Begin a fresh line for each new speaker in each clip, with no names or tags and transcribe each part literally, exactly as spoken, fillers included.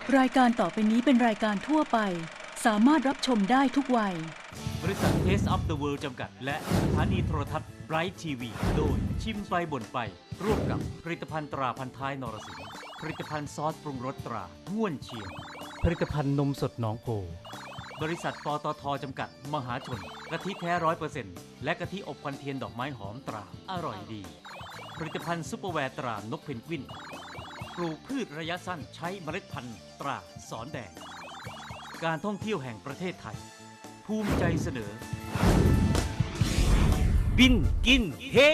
รายการต่อไปนี้เป็นรายการทั่วไปสามารถรับชมได้ทุกวัย
บริษัท Taste of the World จำกัดและสถานีโทรทัศน์ Bright ที วี โดยชิมไปบ่นไปร่วมกับผลิตภัณฑ์ตราพันท้ายนรสิงห์ผลิตภัณฑ์ซอสปรุงรสตราง่วนเชียงผลิตภัณฑ์นมสดหนองโพบริษัทปตทจำกัดมหาชนกะทิแท้ร้อยเปอร์เซ็นต์และกะทิอบควันเทียนดอกไม้หอมตราอร่อยดีผลิตภัณฑ์ซุปเปอร์แวร์ตรานกเพนกวินปลูกพืชระยะสั้นใช้เมล็ดพันธุ์ตราสอนแดงการท่องเที่ยวแห่งประเทศไทยภูมิใจเสนอบินกินเฮ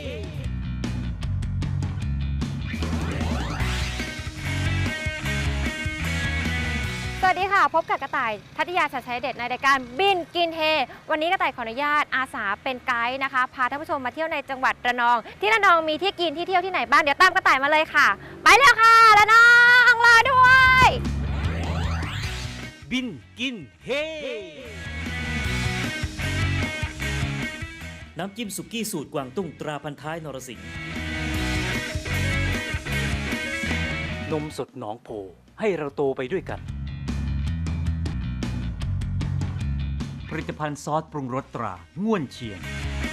สวัสดีค่ะพบกับกระต่ายทัตยาชัดชัยเด็ดในรายการบินกินเฮวันนี้กระต่ายขออนุญาตอาสาเป็นไกด์นะคะพาท่านผู้ชมมาเที่ยวในจังหวัดระนองที่ระนองมีที่กินที่เที่ยวที่ไหนบ้างเดี๋ยวตามกระต่ายมาเลยค่ะไปแล้วค่ะระนองรอด้วย
บินกินเฮน้ำจิ้มสุกี้สูตรกวางตุ้งตราพันท้ายนรสิงห์นมสดหนองโพให้เราโตไปด้วยกันผลิตภัณฑ์ซอสปรุงรสตราง่วนเชียง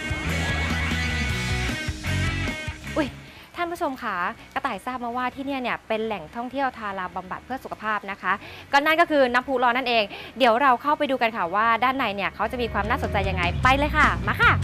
อุ้ยท่านผู้ชมคะกระต่ายทราบมาว่าที่นี่เนี่ยเป็นแหล่งท่องเที่ยวทาราบำบัดเพื่อสุขภาพนะคะก็นั่นก็คือน้ำพุร้อนนั่นเองเดี๋ยวเราเข้าไปดูกันค่ะว่าด้านในเนี่ยเขาจะมีความน่าสนใจยังไงไปเลยค่ะมาค่ะ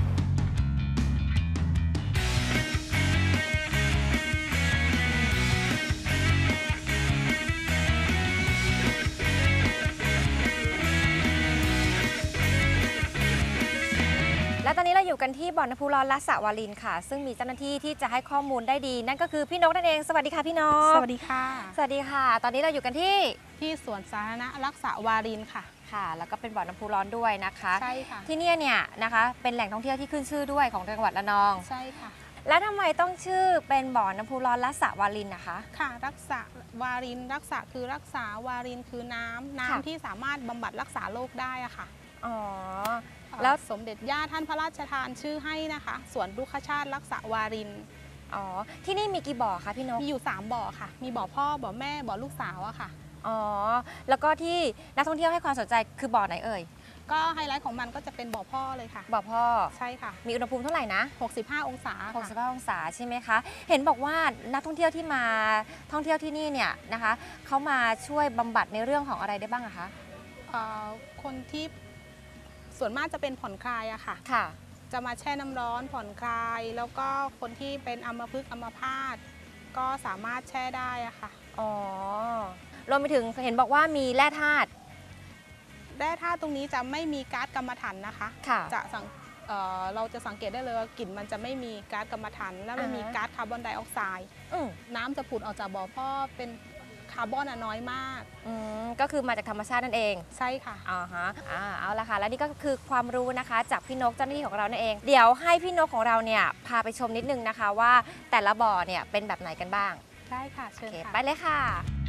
และตอนนี้เราอยู่กันที่บ่อน้ำพุร้อนละสะวารินค่ะซึ่งมีเจ้าหน้าที่ที่จะให้ข้อมูลได้ดีนั่นก็คือพี่นกนั่นเองสวัสดีค่ะพี่นก
สวัสดีค่ะ
สวัสดีค่ะตอนนี้เราอยู่กันที่
ที่สวนสาธารณรักษาวารินค่ะ
ค่ะแล้วก็เป็นบ่อน้ำพุร้อนด้วยนะคะ
ใช่ค่ะ
ที่นี่เนี่ยนะคะเป็นแหล่งท่องเที่ยวที่ขึ้นชื่อด้วยของจังหวัดระนอง
ใช่ค่ะ
แล้วทำไมต้องชื่อเป็นบ่อน้ำพุร้อนละสะวารินนะคะ
ค่ะรักษาวารินรักษาคือรักษาวารินคือน้ำน้ำที่สามารถบำบัดรักษาโรคได้อะค่ะ
อ๋อ
แล้วสมเด็จย่าท่านพระราชทานชื่อให้นะคะสวนรุกขชาติรักษาวาริน
อ๋อที่นี่มีกี่บ่อคะพี่นก
มีอยู่สามบ่อค่ะมีบ่อพ่อบ่อแม่บ่อลูกสาวอะค่ะ
อ๋อแล้วก็ที่นักท่องเที่ยวให้ความสนใจคือบ่อไหนเอ่ย
ก็ไฮไลท์ของมันก็จะเป็นบ่อพ่อเลยค่ะ
บ่อพ่อ
ใช่ค่ะ
มีอุณหภูมิเท่าไหร่นะ
หกสิบห้าองศา
หกสิบห้าองศาใช่ไหมคะเห็นบอกว่านักท่องเที่ยวที่มาท่องเที่ยวที่นี่เนี่ยนะคะเขามาช่วยบำบัดในเรื่องของอะไรได้บ้างอะคะ
คนที่ส่วนมากจะเป็นผ่อนคลายอะค่ะ
ค่ะ
จะมาแช่น้ำร้อนผ่อนคลายแล้วก็คนที่เป็นอัมพฤกษ์อัมพาตก็สามารถแช่ได้อะค่ะ
อ๋อรวมไปถึงเห็นบอกว่ามีแร่ธาตุ
แร่ธาตุตรงนี้จะไม่มีก๊าซกัมมันถันนะคะจะสังเเราจะสังเกตได้เลยว่ากลิ่นมันจะไม่มีก๊าซกัมมันถันและไม่มีก๊าซคาร์บอนไดออกไซด์น้ำจะผุดออกจากบ่อพ่อเป็นคาร์บอนน้อยมาก
อืมก็คือมาจากธรรมชาตินั่นเอง
ใช่ค่ะ
อ่าฮะอ่าเอาละค่ะแล้วนี่ก็คือความรู้นะคะจากพี่นกเจ้าหน้าที่ของเรานั่นเองเดี๋ยวให้พี่นกของเราเนี่ยพาไปชมนิดนึงนะคะว่าแต่ละบ่อเนี่ยเป็นแบบไหนกันบ้าง
ได้ค่ะเชิญค่ะ
ไปเลยค่ะ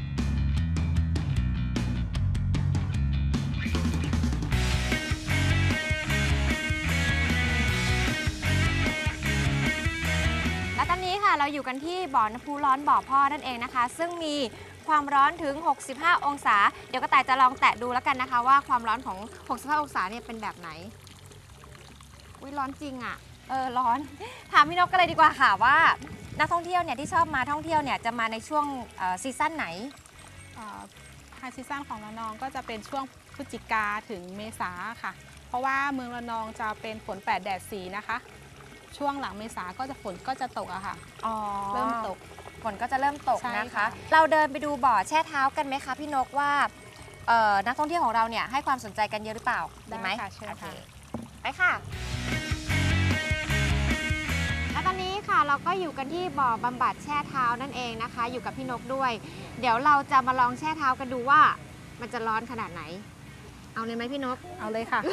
และตอนนี้ค่ะเราอยู่กันที่บ่อน้ำพุร้อนบ่อพ่อนั่นเองนะคะซึ่งมีความร้อนถึงหกสิบห้าองศาเดี๋ยวกระต่ายจะลองแตะดูแล้วกันนะคะว่าความร้อนของหกสิบห้าองศาเนี่ยเป็นแบบไหนอุ๊ยร้อนจริงอ่ะเออร้อนถามพี่นกกันเลยดีกว่าค่ะว่านักท่องเที่ยวเนี่ยที่ชอบมาท่องเที่ยวเนี่ยจะมาในช่วงซีซั่นไหน
ไฮซีซั่นของระนองก็จะเป็นช่วงพฤศจิกาถึงเมษาค่ะเพราะว่าเมืองระนองจะเป็นฝนแปดแดดสี่นะคะช่วงหลังเมษาก็จะฝนก็จะตกอะค่ะเริ่มตก
ฝนก็จะเริ่มตกนะคะเราเดินไปดูบ่อแช่เท้ากันไหมคะพี่นกว่านักท่องเที่ยวของเราเนี่ยให้ความสนใจกันเยอะหรือเปล่า
ได้ไหมค่ะเชิญค่ะ
ไปค่ะและตอนนี้ค่ะเราก็อยู่กันที่บ่อบำบัดแช่เท้านั่นเองนะคะอยู่กับพี่นกด้วยเดี๋ยวเราจะมาลองแช่เท้ากันดูว่ามันจะร้อนขนาดไหนเอาเลยไหมพี่นก
เอาเลยค่ะ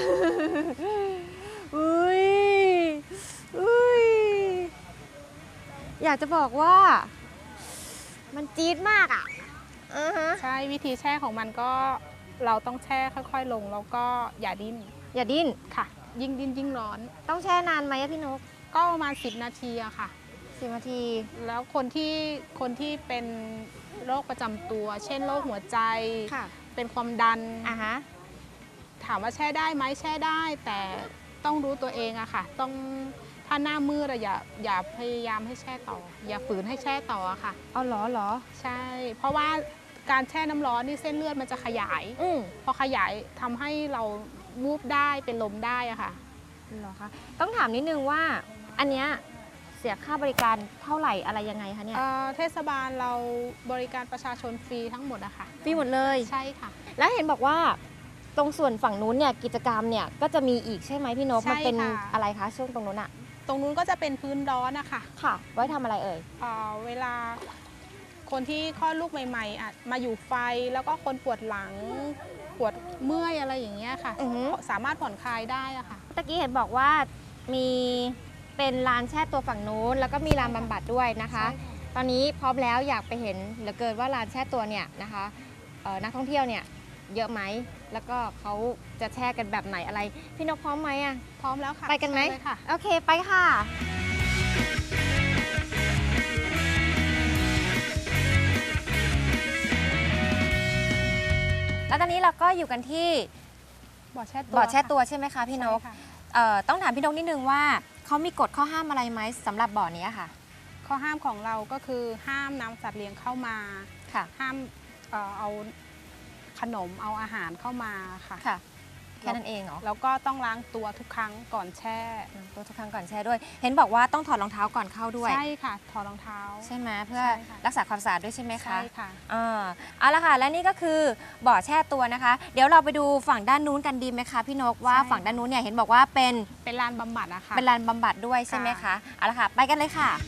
อุ้ยอุ้ยอยากจะบอกว่ามันจี๊ดมากอ่ะ
ใช่วิธีแช่ของมันก็เราต้องแช่ค่อยๆลงแล้วก็อย่าดิ้น
อย่าดิ้น
ค่ะยิ่งดิ้นยิ่งร้อน
ต้องแช่นานไหมพี่นก
ก็ประมาณสิบนาทีอะค่ะ
สิบนาที
แล้วคนที่คนที่เป็นโรคประจำตัว เช่นโรคหัวใจ
ค่ะ
เป็นความดัน
อ่าฮะ
ถามว่าแช่ได้ไหมแช่ได้ แต่ต้องรู้ตัวเองอะค่ะ ต้องถ้าหน้ามืดอะอย่าอย่าพยายามให้แช่ต่อ อย่าฝืนให้แช่ต่ออะค่ะ
เอาเหรอเหรอ
ใช่ เพราะว่าการแช่น้ำร้อนนี่เส้นเลือดมันจะขยาย
อืม
พอขยายทำให้เราวูบได้เป็นลมได้อะค่ะ
เหรอคะ ต้องถามนิดนึงว่าอันเนี้ยเสียค่าบริการเท่าไหร่อะไรยังไงคะเนี่ย
เอ่อเทศบาลเราบริการประชาชนฟรีทั้งหมดอะค่ะ
ฟรีหมดเลย
ใช่ค่ะ
แล้วเห็นบอกว่าตรงส่วนฝั่งนู้นเนี่ยกิจกรรมเนี่ยก็จะมีอีกใช่ไหมพี่นก
ใช่
มันเป็น
ค่ะ
อะไรคะช่วงตรงนู้นอะ
ตรงนู้นก็จะเป็นพื้นร้อนนะคะ
ค่ะ ไว้ทำอะไรเอ่ย
เอ่อเวลาคนที่คลอดลูกใหม่ๆอะมาอยู่ไฟแล้วก็คนปวดหลังปวดเมื่อยอะไรอย่างเงี้ยค่ะ
อือฮึ
สามารถผ่อนคลายได้อะค่ะ
ตะกี้เห็นบอกว่ามีเป็นลานแช่ตัวฝั่งนู้นแล้วก็มีลานบำบัดด้วยนะคะ
ใช่ค่ะ
ตอนนี้พร้อมแล้วอยากไปเห็นเหลือเกินว่าลานแช่ตัวเนี่ยนะคะเอ่อนักท่องเที่ยวเนี่ยเยอะไหมแล้วก็เขาจะแช่กันแบบไหนอะไรพี่นกพร้อมไหมอะ
พร้อมแล้วค่ะ
ไปกันไหม
เชิญเลยค่ะ
โอเคไปค่ะ แล้วตอนนี้เราก็อยู่กันที่
บ่อแช่ตัว
บ่อแช่ตัว
ค่ะ
ใช่ไหมคะพี่นก
ใช่ค่ะ
เอ่อต้องถามพี่นกนิดนึงว่าเขามีกฎข้อห้ามอะไรไหมสำหรับบ่อนี้ค่ะ
ข้อห้ามของเราก็คือห้ามนำสัตว์เลี้ยงเข้ามา
ค่ะ
ห้ามเอ่อเอาขนมเอาอาหารเข้ามาค่ะ
ค่ะแค่นั้นเองเหรอ
แล้วก็ต้องล้างตัวทุกครั้งก่อนแช่
ตัวทุกครั้งก่อนแช่ด้วย เห็นบอกว่าต้องถอดรองเท้าก่อนเข้าด้วย
ใช่ค่ะ ถอดรองเท้า
ใช่ไหมเพื่อ
ใช่ค่ะ
รักษาความสะอาดด้วยใช่ไหมคะ
ใช่ค่ะ
อ่าเอาละค่ะและนี่ก็คือบ่อแช่ตัวนะคะ เดี๋ยวเราไปดูฝั่งด้านนู้นกันดีไหมคะพี่นกว่า
ใช่
ฝั่งด้านนู้นเนี่ยเห็นบอกว่าเป็น
เป็นลานบำบัดนะคะ
เป็นลานบำบัดด้วยใช่ไหมคะ
ค่ะ
เอาละค่ะไปกันเลยค่ะ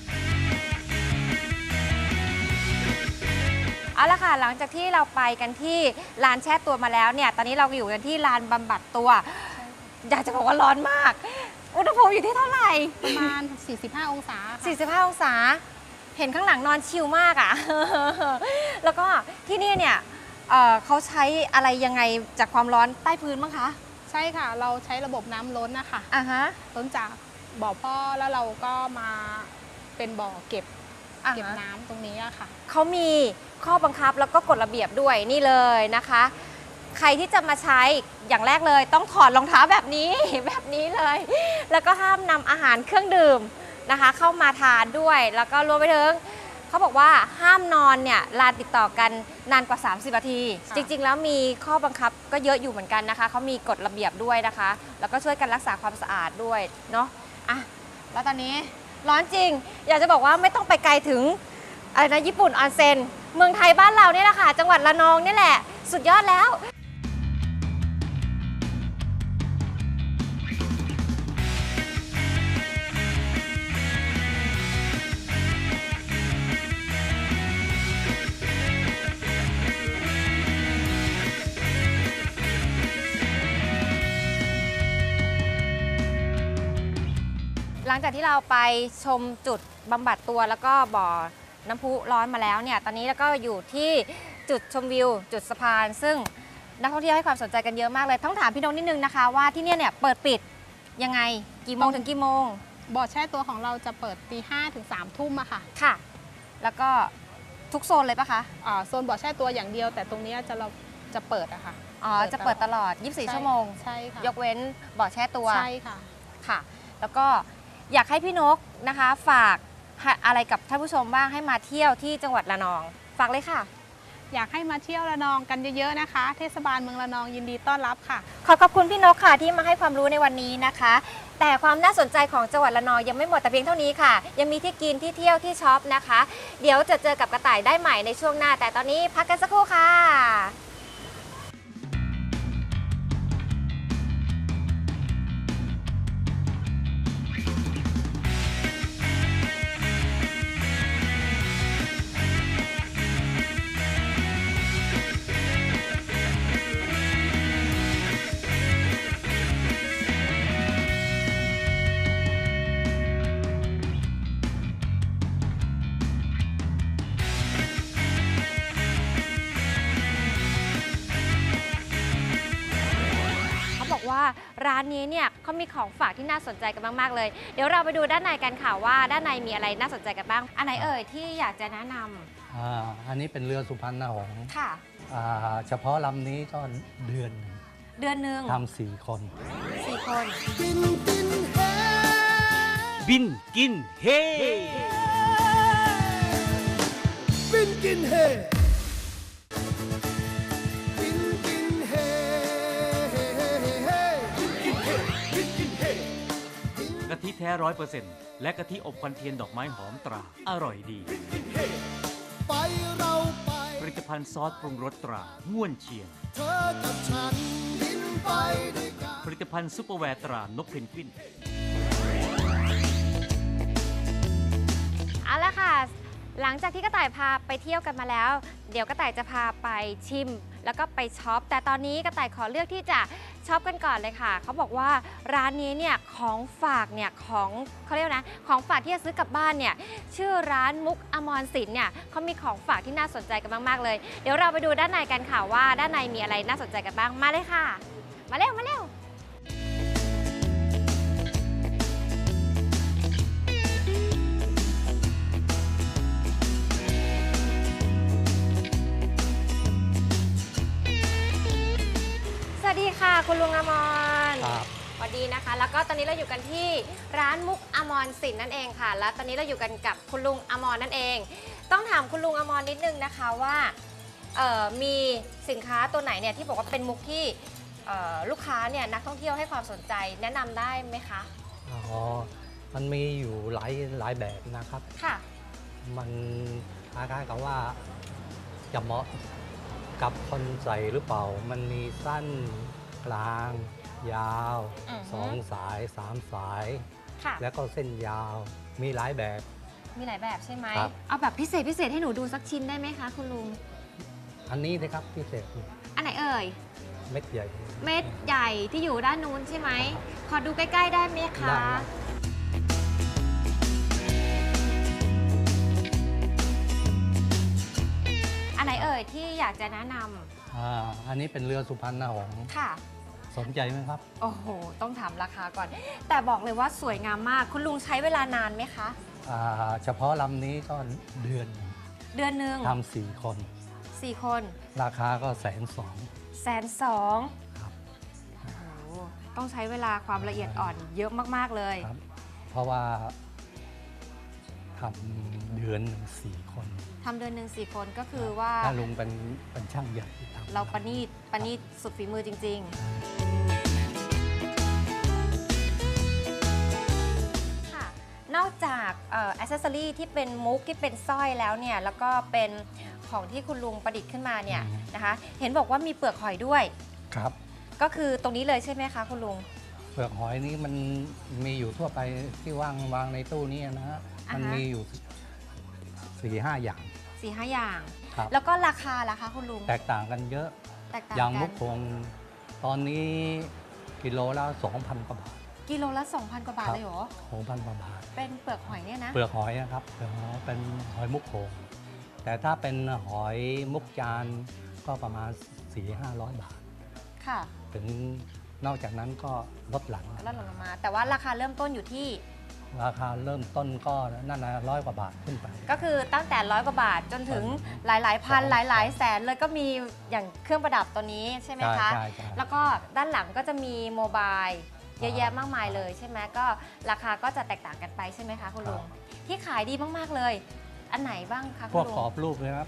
เอาละค่ะหลังจากที่เราไปกันที่ลานแช่ตัวมาแล้วเนี่ยตอนนี้เราอยู่กันที่ลานบำบัดตัว อยากจะบอกว่าร้อนมาก อุณหภูมิอยู่ที่เท่าไหร่
ประมาณ สี่สิบห้า องศาค่ะ
สี่สิบห้า องศา เห็นข้างหลังนอนชิลมากอะ่ะ แล้วก็ที่นี่เนี่ยเอ่อเขาใช้อะไรยังไงจากความร้อนใต้พื้นบ้างคะ
ใช่ค่ะ เราใช้ระบบน้ำล้นนะคะ
อ่าฮะ
ล้นจากบ่อพ่อแล้วเราก็มาเป็นบ่อเก็บ
อ่า
เก็บ
ฮะ
น้ำตรงนี้อะค่ะ
เขามีข้อบังคับแล้วก็กฎระเบียบด้วยนี่เลยนะคะ ใครที่จะมาใช้อย่างแรกเลยต้องถอดรองเท้าแบบนี้ แบบนี้เลย แล้วก็ห้ามนำอาหารเครื่องดื่มนะคะ เข้ามาทานด้วย แล้วก็รวมไปถึงเขาบอกว่าห้ามนอนเนี่ยลาติดต่อกันนานกว่า สามสิบ นาที
ค่ะ
จริงๆ แล้วมีข้อบังคับก็เยอะอยู่เหมือนกันนะคะเขามีกฎระเบียบด้วยนะคะ แล้วก็ช่วยกันรักษาความสะอาดด้วยเนาะอ่ะแล้วตอนนี้ร้อนจริง อยากจะบอกว่าไม่ต้องไปไกลถึงอะไรนะญี่ปุ่นออนเซ็นเมืองไทยบ้านเราเนี่ยแหละค่ะจังหวัดระนองนี่แหละสุดยอดแล้ว หลังจากที่เราไปชมจุดบำบัดตัวแล้วก็บ่อน้ำพุร้อนมาแล้วเนี่ย ตอนนี้เราก็อยู่ที่จุดชมวิว จุดสะพาน ซึ่งนักท่องเที่ยวให้ความสนใจกันเยอะมากเลย ต้องถามพี่นงนิดนึงนะคะว่าที่เนี่ยเนี่ยเปิดปิดยังไงกี่โมงถึงกี่โมง
บ่อแช่ตัวของเราจะเปิดตีห้าถึงสามทุ่มอะค่ะ
ค่ะ แล้วก็ทุกโซนเลยปะคะ
อ่าโซนบ่อแช่ตัวอย่างเดียว แต่ตรงเนี้ยจะเราจะเปิดอะค่ะ
อ๋อ จะเปิดตลอด ยี่สิบสี่ ชั่วโมง
ใช่ค่ะ
ยกเว้นบ่อแช่ตัว
ใช่ค่ะ
ค่ะ แล้วก็อยากให้พี่นกนะคะฝากอะไรกับท่านผู้ชมบ้างให้มาเที่ยวที่จังหวัดระนอง ฝากเลยค่ะ
อยากให้มาเที่ยวระนองกันเยอะๆนะคะ เทศบาลเมืองระนองยินดีต้อนรับค่ะ
ขอขอบคุณพี่นกค่ะที่มาให้ความรู้ในวันนี้นะคะ แต่ความน่าสนใจของจังหวัดระนองยังไม่หมดแต่เพียงเท่านี้ค่ะ ยังมีที่กินที่เที่ยวที่ช็อปนะคะ เดี๋ยวจะเจอกับกระต่ายได้ใหม่ในช่วงหน้า แต่ตอนนี้พักกันสักครู่ค่ะ เขาบอกว่าร้านนี้เนี่ยเขามีของฝากที่น่าสนใจกันมากๆเลย เดี๋ยวเราไปดูด้านในกันค่ะว่าด้านในมีอะไรน่าสนใจกันบ้าง อันไหนเอ่ยที่อยากจะแนะนำ
อ่าอันนี้เป็นเรือสุพรรณหงส์
ค่ะ
อ่าเฉพาะลำนี้ก็เดือนหนึ่ง
เดือนหนึ่ง
ทำสี่คน
สี่คน
บินกินเฮ
บินกินเฮบินกินเฮบินกินเฮบินกินเฮ
กะทิแท้ร้อยเปอร์เซ็นต์และกะทิอบควันเทียนดอกไม้หอมตรา อร่อยดี
ไปเราไป
ผลิตภัณฑ์ซอสปรุงรสตราง่วนเชียง
เธอกับฉันบินไปด้วยกัน
ผลิตภัณฑ์ซุปเปอร์แวร์ตรานกเพนกวิน
เอาละค่ะ หลังจากที่กระต่ายพาไปเที่ยวกันมาแล้ว เดี๋ยวกระต่ายจะพาไปชิม แล้วก็ไปช็อป แต่ตอนนี้กระต่ายขอเลือกที่จะช็อปกันก่อนเลยค่ะ เขาบอกว่าร้านนี้เนี่ยของฝากเนี่ยของเขาเรียกนะของฝากที่จะซื้อกลับบ้านเนี่ยชื่อร้านมุกอมรสินเนี่ยเขามีของฝากที่น่าสนใจกันมากๆเลย เดี๋ยวเราไปดูด้านในกันค่ะว่าด้านในมีอะไรน่าสนใจกันบ้าง มาเลยค่ะ มาเร็วมาเร็ว สวัสดีค่ะคุณลุงอมร
ครับ
สวัสดีนะคะ แล้วก็ตอนนี้เราอยู่กันที่ร้านมุกอมรสินนั่นเองค่ะ และตอนนี้เราอยู่กันกับคุณลุงอมรนั่นเอง ต้องถามคุณลุงอมรนิดนึงนะคะว่าเอ่อมีสินค้าตัวไหนเนี่ยที่บอกว่าเป็นมุกที่เอ่อลูกค้าเนี่ยนักท่องเที่ยวให้ความสนใจแนะนำได้ไหมคะ
อ๋อมันมีอยู่หลายหลายแบบนะครับ
ค่ะ
มันคล้ายๆกับว่าจะเหมาะกับคนใส่หรือเปล่า มันมีสั้นกลาง ยาว
อือฮึ
สองสายสามสาย
ค่ะ
แล้วก็เส้นยาวมีหลายแบบ
มีหลายแบบใช่ไหม
ครับ
เอาแบบพิเศษพิเศษให้หนูดูสักชิ้นได้ไหมคะคุณลุง
อันนี้นะครับพิเศษ
อันไหนเอ่ย
เม็ดใหญ่
เม็ดใหญ่ที่อยู่ด้านนู้นใช่ไหม ขอดูใกล้ๆได้ไหมคะ
ได้ครับ
อันไหนเอ่ยที่อยากจะแนะน
อ่าอันนี้เป็นเรือสุพรรณหงส์
ำค่ะ
สนใจไหมครับ
โอ้โห ต้องถามราคาก่อน แต่บอกเลยว่าสวยงามมาก คุณลุงใช้เวลานานไหมคะ
อ่าเฉพาะลำนี้ก็เดือนหนึ่ง
เดือนหนึ่ง
ทำสี่คน
สี่คน
ราคาก็แสนสอง
แสนสอง
ครับ
โอ้โหต้องใช้เวลาความละเอียดอ่อนเยอะมากๆเลย
ครับ เพราะว่าทำเดือนหนึ่งสี่คน
ทำเดือนหนึ่งสี่คนก็คือว่า
ถ้าลุงเป็นเป็นช่างใหญ่ทำ
เราประณีตประณีตสุดฝีมือจริง ๆ ค่ะ นอกจากเอ่ออ c เซสซอรี่ที่เป็นมุกที่เป็นสร้อยแล้วเนี่ย แล้วก็เป็นของที่คุณลุงประดิษฐ์ขึ้นมาเนี่ยนะคะ เห็นบอกว่ามีเปลือกหอยด้วย
ครับ
ก็คือตรงนี้เลยใช่ไหมคะคุณลุง
เปลือกหอยนี้มันมีอยู่ทั่วไปที่วางวางในตู้นี้นะฮะ
อ่าฮะ
มันมีอยู่สี่ห้าอย่าง
สี่ห้าอย่าง
ครับ
แล้วก็ราคาล่ะคะคุณลุง
แตกต่างกันเยอะ
แตกต่าง
อย่างมุ
กั
ก
น
คงตอนนี้กิโลละสองพันกว่าบาท
กิโลละ สองพัน กว่าบาท
ครับ
เลยเหรอ
สองพันกว่าบาท
เป็นเปลือกหอยเนี่ยนะ
เปลือกหอยนะครับเปลือกหอยเป็นหอยมุกโขงแต่ถ้าเป็นหอยมุกจานก็ประมาณ สี่ห้าร้อย บาท
ค่ะ
ถึงนอกจากนั้นก็ลดหลัง
แล้วหล่นลงมา แต่ว่าราคาเริ่มต้นอยู่ที่
ราคาเริ่มต้นก็นั่นนะร้อยกว่าบาทขึ้นไป
ก็คือตั้งแต่ร้อยกว่าบาทจนถึงหลายๆ พัน
สอง
หลายๆ แสนเลยก็มีอย่างเครื่องประดับตัวนี้ใช่ไหม
ใช่
คะ
ใช่ใช่
แล้วก็ด้านหลังก็จะมีโมบายเยอะแยะมากมายเลยใช่ไหมก็ราคาก็จะแตกต่างกันไปใช่ไหมคะคุณลุง ที่ขายดีมากๆเลย อันไหนบ้างคะ
พ
คุ
วก
ณลุ
กรอง บรูปนะครับ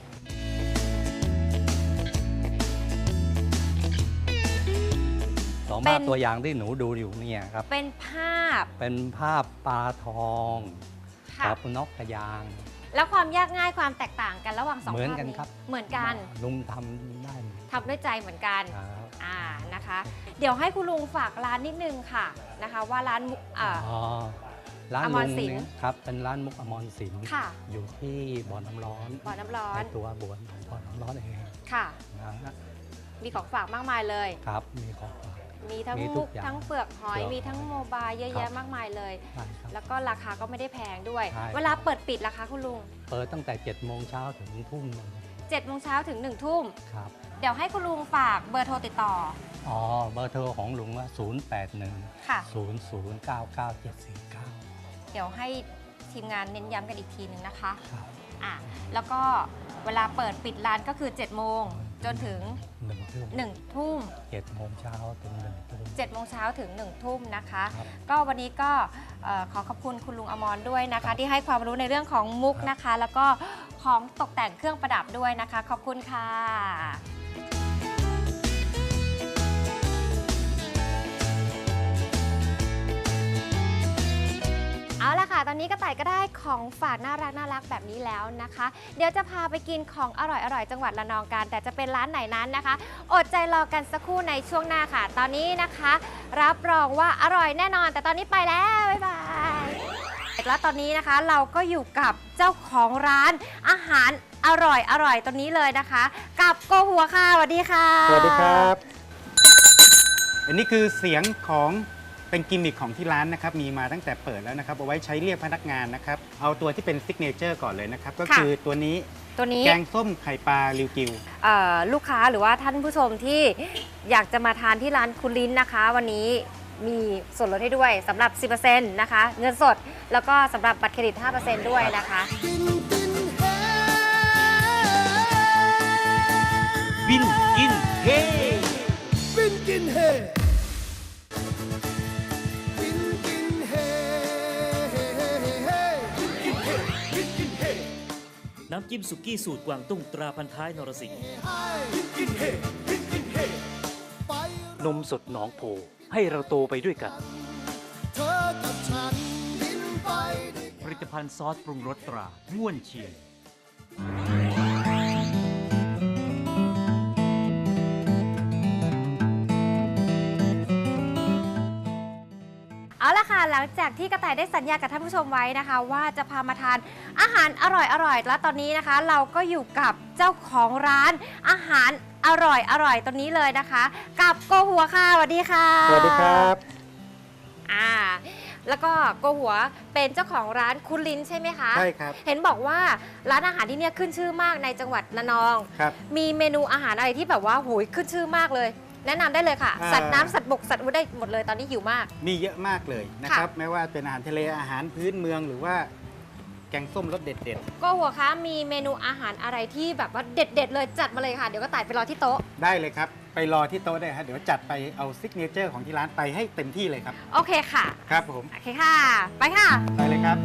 สองภาพตัวอย่างที่หนูดูอยู่เนี่ยครับ
เป็นภาพ
เป็นภาพปลาทอง
ค่ะ
กับนกกระยาง
แล้วความยากง่ายความแตกต่างกันระหว่างสอง
เหมือน
ภาพ
กัน
นี้
ครับ
เหมือนกัน
ลุงทำได้หมด
ทำด้วยใจเหมือนกัน
ครับ
อ่านะคะ เดี๋ยวให้คุณลุงฝากร้านนิดนึงค่ะนะคะ ว่าร้านมุกอ่า
อ๋อร้าน
อม
ลุ
รง ศิลป์
เนี่ยครับเป็นร้านมุกอมรศิลป์
ค่ะ
อยู่ที่บ่อน้ำร้อน
บ่อน้ำร้อ
ใน
น
ตัวบ่อบ่อน้ำร้อนเอง
ค่ะ
นะฮะ
มีของฝากมากมายเลย
ครับมีของฝาก
มีทั้ง
มีทุ
มุ
ก
ก
อย่าง
ทั้งเปลือกหอย
เปลือก
มีทั้งโมบายเยอะ
ครั
แยะ
บ
มากมายเลย
ใช่ครับ
แล้วก็ราคาก็ไม่ได้แพงด้วย
ใช่
เวลาเปิดปิดราคาคุณลุง
เปิดตั้งแต่เจ็ดโมงเช้าถึงทุ่มหนึ่ง
เจ็ดโมงเช้าถึงหนึ่งทุ่ม
ครับ
เดี๋ยวให้คุณลุงฝากเบอร์โทรติดต่อ
อ๋อเบอร์โทรของลุงว่าศูนย์ แปด หนึ่ง
ค่ะ
ศูนย์ ศูนย์ เก้า เก้า เจ็ด สี่ เก้า
เดี๋ยวให้ทีมงานเน้นย้ำกันอีกทีหนึ่งนะคะ
ครับ
อ่ะแล้วก็เวลาเปิดปิดร้านก็คือเจ็ดโมงจนถึง
หนึ่งทุ่ม
หนึ่งทุ่ม
เจ็ดโมงเช้าถึงหนึ่งทุ่ม
เจ็ดโมงเช้าถึงหนึ่งทุ่มนะคะ
ครับ
ก็วันนี้ก็เอ่อขอขอบคุณคุณลุงอมรด้วยนะคะ ที่ให้ความรู้ในเรื่องของมุกนะคะ แล้วก็ของตกแต่งเครื่องประดับด้วยนะคะ ขอบคุณค่ะ เอาละค่ะ ตอนนี้กระต่ายก็ได้ของฝากน่ารักน่ารักแบบนี้แล้วนะคะ เดี๋ยวจะพาไปกินของอร่อยอร่อยจังหวัดระนองกัน แต่จะเป็นร้านไหนนั้นนะคะ อดใจรอกันสักครู่ในช่วงหน้าค่ะ ตอนนี้นะคะ รับรองว่าอร่อยแน่นอน แต่ตอนนี้ไปแล้ว บ๊ายบาย แล้วตอนนี้นะคะเราก็อยู่กับเจ้าของร้านอาหารอร่อยอร่อยตรงนี้เลยนะคะ กับโกหัวค่ะสวัสดีค่ะ
สวัสดีครับ อันนี้คือเสียงของเป็นกิมมิคของที่ร้านนะครับ มีมาตั้งแต่เปิดแล้วนะครับ เอาไว้ใช้เรียกพนักงานนะครับ เอาตัวที่เป็นซิกเนเจอร์ก่อนเลยนะครับ ก็คือตัวนี้
ตัวนี้
แกงส้มไข่ปลาริวกิว
เอ่อลูกค้าหรือว่าท่านผู้ชมที่อยากจะมาทานที่ร้านคุณลิ้นนะคะ วันนี้มีส่วนลดให้ด้วยสำหรับ สิบเปอร์เซ็นต์ นะคะ เงินสดแล้วก็สำหรับบัตรเครดิต ห้าเปอร์เซ็นต์ ด้วยนะคะ
กินกินเฮ
บินกินเฮ
บินกินเฮบินกินเฮบินกินเฮ
น้ำจิ้มสุกี้สูตรกวางตุ้งตราพันท้ายนรสิงห์
บินกินเฮบินกินเฮไป
นมสดหนองโพให้เราโตไปด้วยกัน
เธอกับฉันบินไปด้วย
ผลิตภัณฑ์ซอสปรุงรสตราง่วนเชียง
เอาละค่ะหลังจากที่กระต่ายได้สัญญากับท่านผู้ชมไว้นะคะ ว่าจะพามาทานอาหารอร่อยๆแล้วตอนนี้นะคะ เราก็อยู่กับเจ้าของร้านอาหารอร่อยอร่อยตรงนี้เลยนะคะ กับโกหัวค่ะสวัสดีค่ะ
สวัสดีครับ
อ่าแล้วก็โกหัวเป็นเจ้าของร้านคุณลิ้นใช่ไหมคะ
ใช่ครับ
เห็นบอกว่าร้านอาหารที่เนี่ยขึ้นชื่อมากในจังหวัดระนอง
ครับ
มีเมนูอาหารอะไรที่แบบว่าโหยขึ้นชื่อมากเลย แนะนำได้เลยค่ะ
อ่า
สัตว์น้ำสัตว์บกสัตว์อุได้หมดเลยตอนนี้หิวมาก
มีเยอะมากเลยนะครับ ไม่ว่าเป็นอาหารทะเลอาหารพื้นเมืองหรือว่าแกงส้มรสเด็ด
โกหัวคะมีเมนูอาหารอะไรที่แบบว่าเด็ด ๆ เลยจัดมาเลยค่ะ เดี๋ยวก็ต่ายไปรอที่โต๊ะ
ๆ ได้เลยครับ ไปรอที่โต๊ะได้ครับเดี๋ยวจัดไปเอาซิกเนเจอร์ของที่ร้านไปให้เต็มที่เลยครับ
โอเคค่ะ
ครับผม
โอเคค่ะ ไปค่ะ
ไปเลยครับ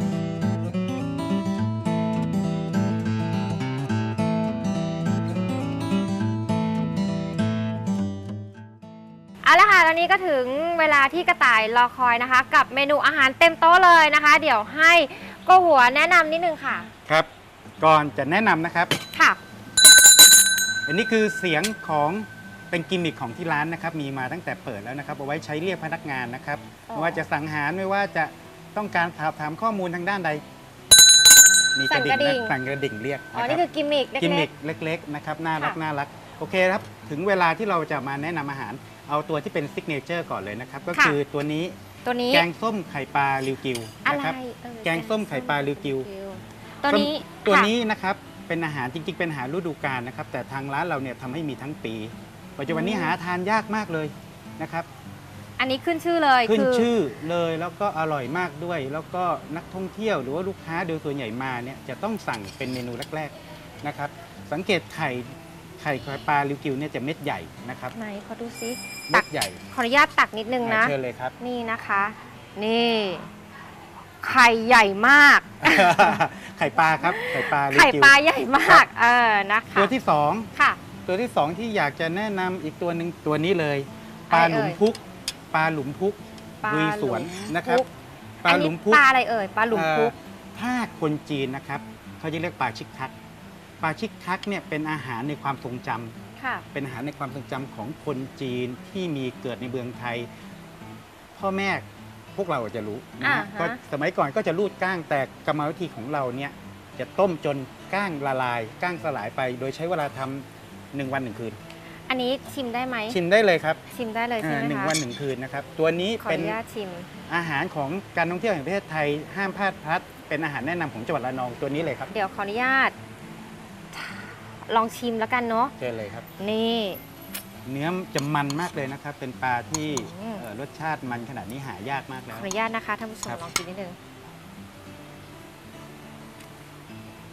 เอาละค่ะตอนนี้ก็ถึงเวลาที่กระต่ายรอคอยนะคะ กับเมนูอาหารเต็มโต๊ะเลยนะคะ เดี๋ยวให้โกหัวแนะนำนิดนึงค่ะ
ครับ ก่อนจะแนะนำนะครับ
ค่ะ
อันนี้คือเสียงของเป็นกิมมิคของที่ร้านนะครับ มีมาตั้งแต่เปิดแล้วนะครับ เอาไว้ใช้เรียกพนักงานนะครับ
อ๋อ
ไม่ว่าจะสั่งอาหารไม่ว่าจะต้องการสอบถามข้อมูลทางด้านใด มีกระดิ่งนะสั่งกระดิ่งเรียก
อ๋อ
นะค
นี่
รับ
คือกิมมิคเล็กๆ
กิมมิคเล็กๆนะครับน่ารัก
ค่ะ
น่ารักโอเคครับ ถึงเวลาที่เราจะมาแนะนำอาหาร เอาตัวที่เป็นซิกเนเจอร์ก่อนเลยนะครับ ก็คือตัวนี้
ตัวนี้
แกงส้มไข่ปลาริวกิว
อะไร
นะครับ
เอ่ย
แกงส้มไข่ปลาริวกิว
ตัวนี้
ตัว
ค่ะ
นี้นะครับเป็นอาหารจริงๆ เป็นอาหารฤดูกาลนะครับ แต่ทางร้านเราเนี่ยทำให้มีทั้งปี ปัจจุบันนี้หาทานยากมากเลยนะครับ
อันนี้ขึ้นชื่อเลย
ขึ้น
คือ
ชื่อเลยแล้วก็อร่อยมากด้วย แล้วก็นักท่องเที่ยวหรือว่าลูกค้าโดยส่วนใหญ่มาเนี่ยจะต้องสั่งเป็นเมนูแรกๆนะครับ สังเกตไข่ไข่ไข่ปลาริวกิวเนี่ยจะเม็ดใหญ่นะครับ
ไหนขอดูซิ
เม็ดใหญ่
ขออนุญาตตักนิดนึงนะ
เชิญเลยครับ
นี่นะคะ นี่ ไข่ใหญ่มาก
ไข่ปลาครับไข่ปลาริว
ไข่
กิว
ปลาใหญ่มาก เออนะคะ
ตัวที่สอง
ค่ะ
ตัวที่สองที่อยากจะแนะนำอีกตัวหนึ่งตัวนี้เลย ปลา
อะไร
หลุม
เอ่ย
พุก ปลาหลุมพุก
ปลา
ลุยสวนนะครับ
พุก
ปลาหลุมพุก
อันนี้ปลาอะไรเอ่ยปลาหลุมพุก
เอ่อถ้าคนจีนนะครับเขาจะเรียกปลาชิกคักปลาชิกคักเนี่ยเป็นอาหารในความทรงจำ
ค่ะ
เป็นอาหารในความทรงจำของคนจีนที่มีเกิดในเมืองไทย พ่อแม่พวกเราจะรู้นะฮะ
อ่าฮะ
ก็สมัยก่อนก็จะรูดก้างแต่กรรมวิธีของเราเนี่ยจะต้มจนก้างละลายก้างสลายไป โดยใช้เวลาทำหนึ่งวันหนึ่งคืน
อันนี้ชิมได้ไหม
ชิมได้เลยครับ
ชิมได้เลยใช่ไหม
อ่าหนึ่ง
คะ
วันหนึ่งคืนนะครับ ตัวนี้
ขอ
เป็
อน นุญาตชิม
อาหารของการท่องเที่ยวแห่งประเทศไทยห้ามพลาดพลัดเป็นอาหารแนะนำของจังหวัดระนองตัวนี้เลยครับ
เดี๋ยวขออนุญาต ลองชิมแล้วกันเนาะ
เชิญเลยครับ
นี่
เนื้อจะมันมากเลยนะครับ เป็นปลาที่
อืม
เอ่อรสชาติมันขนาดนี้หายากมาก
ข
แล้
อ
ว
อนุญาตนะคะท่านผู้ชม
ครับ
ลองกินนิดนึง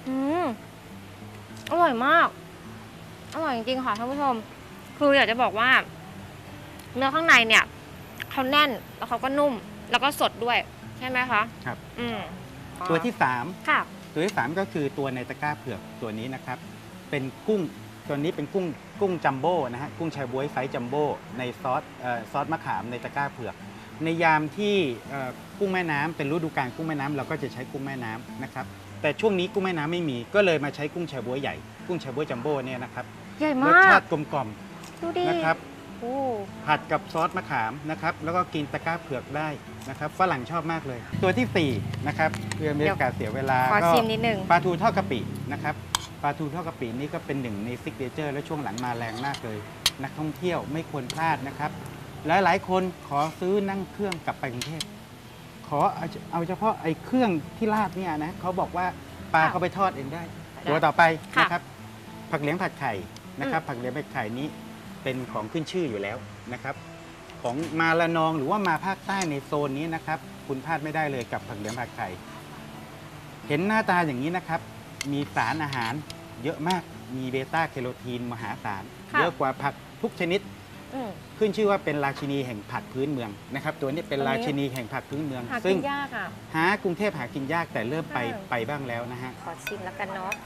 อืมอร่อยมากอร่อยจริงๆค่ะท่านผู้ชมคืออยากจะบอกว่าเนื้อข้างในเนี่ยเขาแน่นแล้วเขาก็นุ่มแล้วก็สดด้วยใช่ไหมคะ
ครับ
อืม
ตัวที่สาม
ค่ะ
ตัวที่สามก็คือตัวในตะกร้าเผือกตัวนี้นะครับ เป็นกุ้งตัวนี้เป็นกุ้งกุ้งจัมโบ้นะฮะกุ้งแชบ๊วยไซส์จัมโบ้ในซอสเอ่อซอสมะขามในตะกร้าเผือก ในยามที่เอ่อกุ้งแม่น้ำเป็นฤดูกาลกุ้งแม่น้ำเราก็จะใช้กุ้งแม่น้ำนะครับแต่ช่วงนี้กุ้งแม่น้ำไม่มีก็เลยมาใช้กุ้งแชบ๊วยใหญ่กุ้งแชบ๊วยจัมโบ้เนี่ยนะครับ
ใหญ่
ร
มา
ส
ก
ชาติกลมกล่อม
ดูดิ
นะครับ
โอ้
ผัดกับซอสมะขามนะครับแล้วก็กินตะกร้าเผือกได้นะครับฝรั่งชอบมากเลย ตัวที่สี่นะครับเพื่อไม่ให้การเสียเวลา
ขอ
ก็
ชิมนิดนึง
ปลาทูทอดกะปินะครับปลาทูทอดกะปินี่ก็เป็นหนึ่งในซิกเนเจอร์และช่วงหลังมาแรงมากเลย นักท่องเที่ยวไม่ควรพลาดนะครับหลายๆคนขอซื้อนั่งเครื่องกลับไปกรุงเทพขอเอาเอาเฉพาะไอ้เครื่องที่ราดเนี่ยนะเขาบอกว่าปลาเขาไปทอดเองได้ ตัวต่อไปนะครับผักเหลียงผัดไข่นะครับผักเหลียงผัดไข่นี้เป็นของขึ้นชื่ออยู่แล้วนะครับของมาละนองหรือว่ามาภาคใต้ในโซนนี้นะครับคุณพลาดไม่ได้เลยกับผักเหลียงผัดไข่เห็นหน้าตาอย่างนี้นะครับมีสารอาหารเยอะมากมีเบต้าแคโรทีนมหาศาลเยอะกว่าผักทุกชนิด
อืม
ขึ้นชื่อว่าเป็นราชินีแห่งผักพื้นเมืองนะครับตัวนี้เป็น
ตัวนี้
ราชินีแห่งผักพื้นเมือง
หา
ซึ่
กิ
ง
นยากอ่ะ
หากรุงเทพหากินยากแต่เริ่มไป
เออ
ไปบ้างแล้วนะฮะ
ขอชิมแล้วกันเนาะ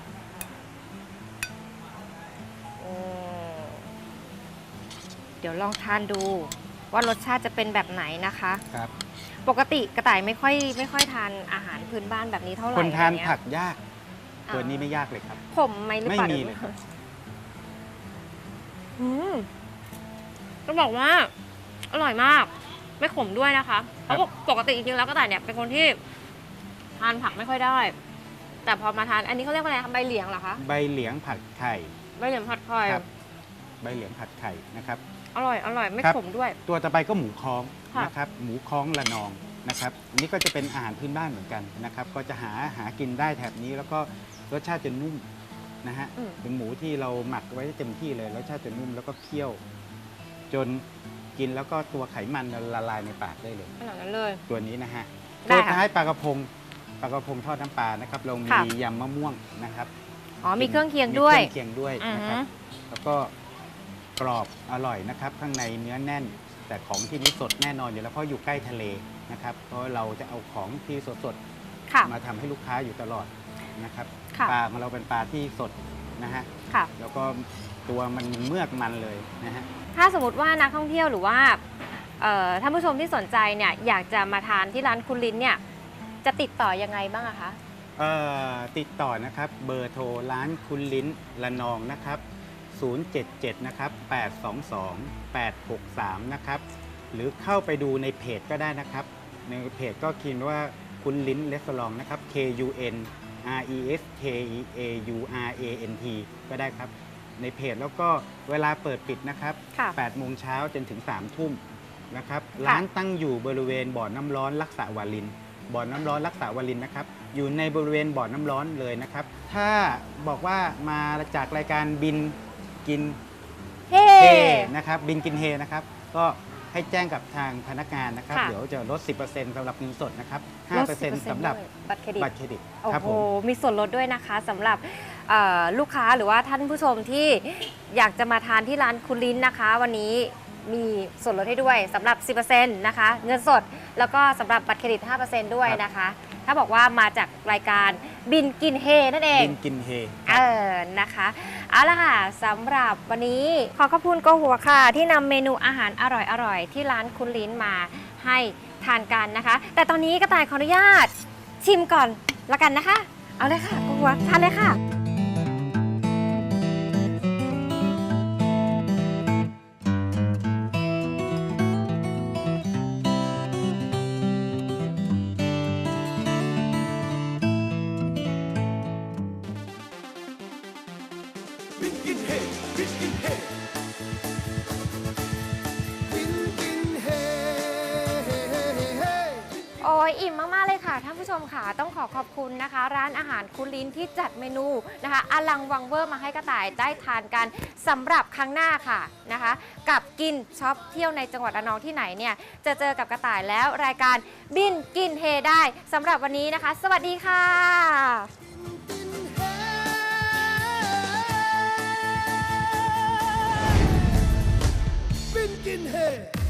อืมเดี๋ยวลองทานดูว่ารสชาติจะเป็นแบบไหนนะคะ
ครับ
ปกติกระต่ายไม่ค่อยไม่ค่อยทานอาหารพื้นบ้านแบบนี้เท่าไหร่
คนทาน
อะไรเงี้ย
ผักยาก
อ่า
ตัวนี้ไม่ยากเลยครับ
ผมไหมหรือเปล่า
ไม่มีเลยครับ
อืมต้องบอกว่า อร่อยมาก ไม่ขมด้วยนะคะเพราะปกติจริงๆแล้วกระต่ายเนี่ยเป็นคนที่ทานผักไม่ค่อยได้ แต่พอมาทานอันนี้เขาเรียกว่าอะไรคะใบเหลียงเหรอคะ
ใบเหลียงผัดไข่
ใบเหลียงผัดไข่
ครับใบเหลียงผัดไข่นะครับ
อร่อยอร่อยไม่
ครับ
ขมด้วย
ตัวต่อไปก็หมูค้อง
ค่ะ
นะครับหมูค้องละนองนะครับอันนี้ก็จะเป็นอาหารพื้นบ้านเหมือนกันนะครับก็จะหาหากินได้แถบนี้แล้วก็รสชาติจะนุ่มนะฮะ
อืม
เป็นหมูที่เราหมักไว้เต็มที่เลยรสชาติจะนุ่มแล้วก็เคี่ยว จนกินแล้วก็ตัวไขมันละลายในปากได้เลย
ขนาดนั้นเลย
ตัวนี้นะฮะ
ได้
ตัว
ค่ะ
ท้ายปลากระพงปลากระพงทอดน้ำปลานะครับเรามี
ค่ะ
ยำมะม่วงนะครับ
อ๋อมีเครื่องเคียงด้วย
มีเครื่องเคียงด้วยนะครับ
อือฮึ
แล้วก็กรอบอร่อยนะครับ ข้างในเนื้อแน่น แต่ของที่นี่สดแน่นอนอยู่แล้วเพราะอยู่ใกล้ทะเลนะครับ เพราะเราจะเอาของที่สด
ค่ะ
ๆมาทำให้ลูกค้าอยู่ตลอดนะครับ
ค่ะ
ปลาของเราเป็นปลาที่สดนะฮะ
ค่ะ
แล้วก็ตัวมันเมือกมันเลยนะฮะ
ถ้าสมมติว่านักท่องเที่ยวหรือว่าเอ่อท่านผู้ชมที่สนใจเนี่ยอยากจะมาทานที่ร้านคุณลิ้นเนี่ยจะติดต่อยังไงบ้างอะคะ
เอ่อติดต่อนะครับเบอร์โทรร้านคุณลิ้นละนองนะครับศูนย์ เจ็ด เจ็ดนะครับแปด สอง สอง แปด หก สามนะครับหรือเข้าไปดูในเพจก็ได้นะครับในเพจก็เขียนว่าคุณลิ้นรีสอร์ทนะครับ K U N R E S K A U R A N T ก็ได้ครับในเพจแล้วก็เวลาเปิดปิดนะครับ
ค่ะ
แปดโมงเช้าจนถึงสามทุ่มนะครับร้านตั้งอยู่บริเวณบ่อน้ำร้อนรักษาวาริน บ่อน้ำร้อนรักษาวารินนะครับอยู่ในบริเวณบ่อน้ำร้อนเลยนะครับถ้าบอกว่ามาจากรายการบินกิน
เฮ้
เฮนะครับบินกินเฮนะครับก็ให้แจ้งกับทางพนักงานนะครับ
ค่ะ
เดี๋ยวจะลด สิบเปอร์เซ็นต์ สำหรับเงินสดนะครับ
ล
ห้า
ด
เปอร์เซ็นต์
สิบ
สำหรับ
ด้วยบัตรเครดิต
บัตรเครดิต
โอ้
ครับ
โห
ผม
มีส่วนลดด้วยนะคะสำหรับเอ่อลูกค้าหรือว่าท่านผู้ชมที่อยากจะมาทานที่ร้านคุณลิ้นนะคะ วันนี้มีส่วนลดให้ด้วยสำหรับ สิบเปอร์เซ็นต์ นะคะเงินสดแล้วก็สำหรับบัตรเครดิต ห้าเปอร์เซ็นต์ ด้วยนะคะ ถ้าบอกว่ามาจากรายการบินกินเฮนั่นเอง
บินกินเฮ
เออ นะคะ เอาละค่ะสำหรับวันนี้ขอขอบคุณโกหัวค่ะ ที่นำเมนูอาหารอร่อยๆ ที่ร้านคุณลิ้นมาให้ทานกันนะคะ แต่ตอนนี้กระต่ายขออนุญาตชิมก่อนละกันนะคะ เอาเลยค่ะโกหัวทานเลยค่ะ
บินกินเฮบินกินเฮบินกินเฮ
โอ้ยอิ่มมาก ๆ เลยค่ะท่านผู้ชมค่ะต้องขอขอบคุณนะคะ ร้านอาหารคุณลิ้นที่จัดเมนูนะคะอลังวังเวอร์มาให้กระต่ายได้ทานกันสำหรับครั้งหน้าค่ะนะคะ กับกินช็อปเที่ยวในจังหวัดระนองที่ไหนเนี่ยจะเจอกับกระต่ายแล้วรายการบินกินเฮได้สำหรับวันนี้นะคะ สวัสดีค่ะ
กิน Skinhead